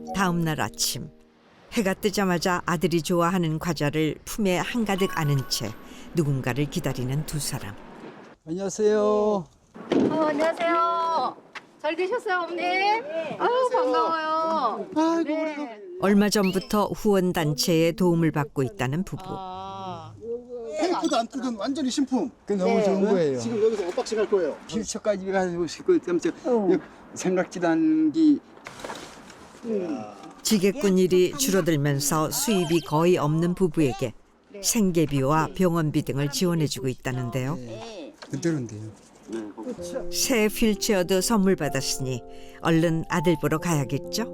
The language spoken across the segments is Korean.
다음 날 아침 해가 뜨자마자 아들이 좋아하는 과자를 품에 한가득 안은 채 누군가를 기다리는 두 사람. 안녕하세요. 안녕하세요. 잘 계셨어요, 어머니? 아유, 반가워요. 아이고 네. 얼마 전부터 후원단체의 도움을 받고 있다는 부부. 테이프도 안 뜯은 완전히 신품. 그 너무 네. 좋은 거예요. 지금 여기서 언박싱 할 거예요. 필초까지 가지고 싶고 깜짝 생각지도 않은 게 지게꾼 일이 줄어들면서 수입이 거의 없는 부부에게 생계비와 병원비 등을 지원해주고 있다는데요. 그대로인데요. 새 휠체어도 선물 받았으니 얼른 아들 보러 가야겠죠?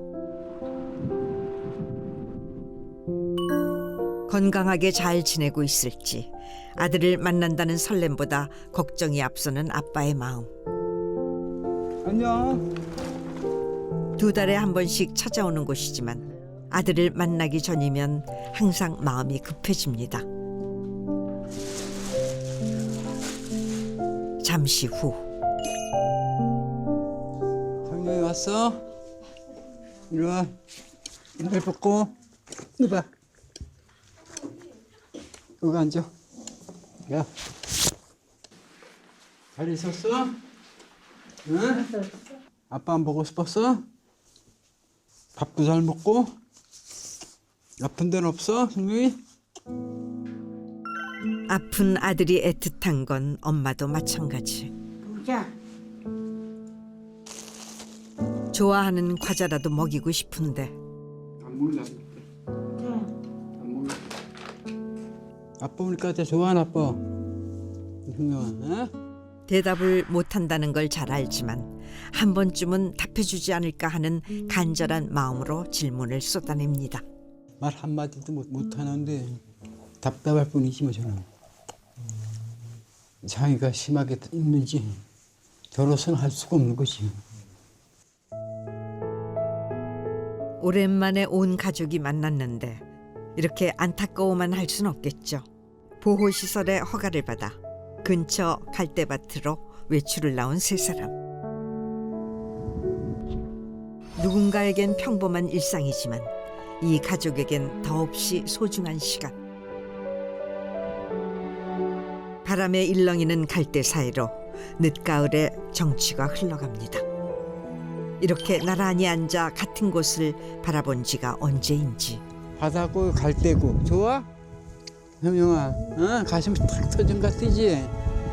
건강하게 잘 지내고 있을지 아들을 만난다는 설렘보다 걱정이 앞서는 아빠의 마음. 안녕. 두 달에 한 번씩 찾아오는 곳이지만 아들을 만나기 전이면 항상 마음이 급해집니다. 잠시 후 정영이 왔어? 이리 와. 이발 벗고 이리 봐. 여기 앉아. 야. 잘 있었어? 응? 아빠 안 보고 싶었어? 밥도 잘 먹고? 아픈 데는 없어, 정영이? 아픈 아들이 애틋한 건 엄마도 마찬가지. 좋아하는 과자라도 먹이고 싶은데 안 먹나? 안 먹나? 아빠 오니까 진짜 좋아하나 아빠. 형님아, 어? 대답을 못한다는 걸 잘 알지만 한 번쯤은 답해주지 않을까 하는 간절한 마음으로 질문을 쏟아냅니다. 말 한마디도 못하는데 답답할 뿐이지 뭐 저는. 장애가 심하게 있는지 저로서는 할 수가 없는 거지. 오랜만에 온 가족이 만났는데 이렇게 안타까워만 할 순 없겠죠. 보호시설의 허가를 받아 근처 갈대밭으로 외출을 나온 세 사람. 누군가에겐 평범한 일상이지만 이 가족에겐 더없이 소중한 시간. 바람에 일렁이는 갈대 사이로 늦가을의 정취가 흘러갑니다. 이렇게 나란히 앉아 같은 곳을 바라본 지가 언제인지. 바다고 갈대고 좋아? 형영아, 어? 가슴이 탁 터진 것 같지?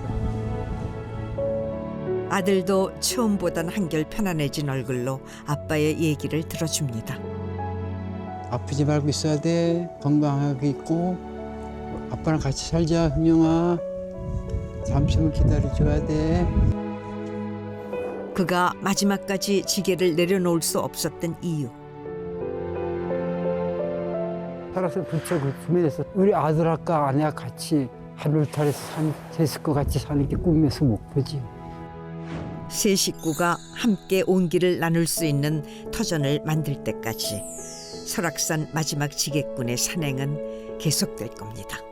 아들도 처음보단 한결 편안해진 얼굴로 아빠의 얘기를 들어줍니다. 아프지 말고 있어야 돼. 건강하게 있고 아빠랑 같이 살자, 형영아. 잠시만 기다려줘야 돼. 그가 마지막까지 지게를 내려놓을 수 없었던 이유. 살아서 부쩍 구매해서 우리 아들아까 아내와 같이 하늘탈에서 제 식구 같이 사는 게 꿈에서 목표지. 세 식구가 함께 온기를 나눌 수 있는 터전을 만들 때까지 설악산 마지막 지게꾼의 산행은 계속될 겁니다.